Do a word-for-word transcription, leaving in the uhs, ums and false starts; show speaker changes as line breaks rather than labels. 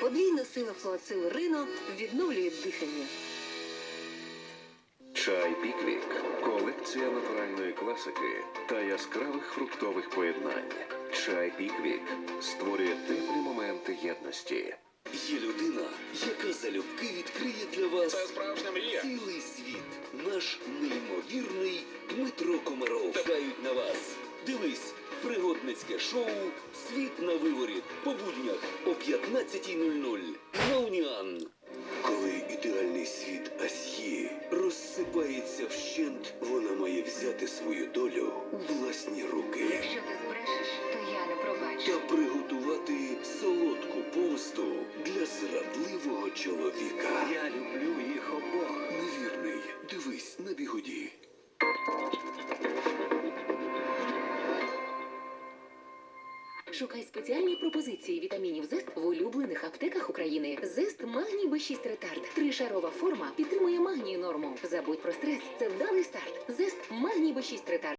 Подвійна сила флуацил Рино відновлює дихання.
Чай Піквік – колекція натуральної класики та яскравих фруктових поєднань. Чай Піквік створює теплі моменти єдності.
Є людина, яка залюбки відкриє для вас
Це справжня мрія.
цілий світ. Наш неймовірний Дмитро Комаров. Чекають на вас. Дивись пригодницьке шоу «Світ на виворіт» по буднях о п'ятнадцятій нуль нуль на Уніан. Коли ідеальний світ Асьє розсипається вщент, вона має взяти свою долю у власні руки.
Якщо ти збрешеш, то я не пробачу.
Та приготувати солодку помсту для зрадливого чоловіка.
Я люблю їх обох.
Невірний. Дивись на Бігуді.
Шукай спеціальні пропозиції вітамінів ЗЕСТ в улюблених аптеках України. ЗЕСТ Магній Б шість Ретард. Тришарова форма підтримує магнію норму. Забудь про стрес. Це вдалий старт. ЗЕСТ Магній Б шість Ретард.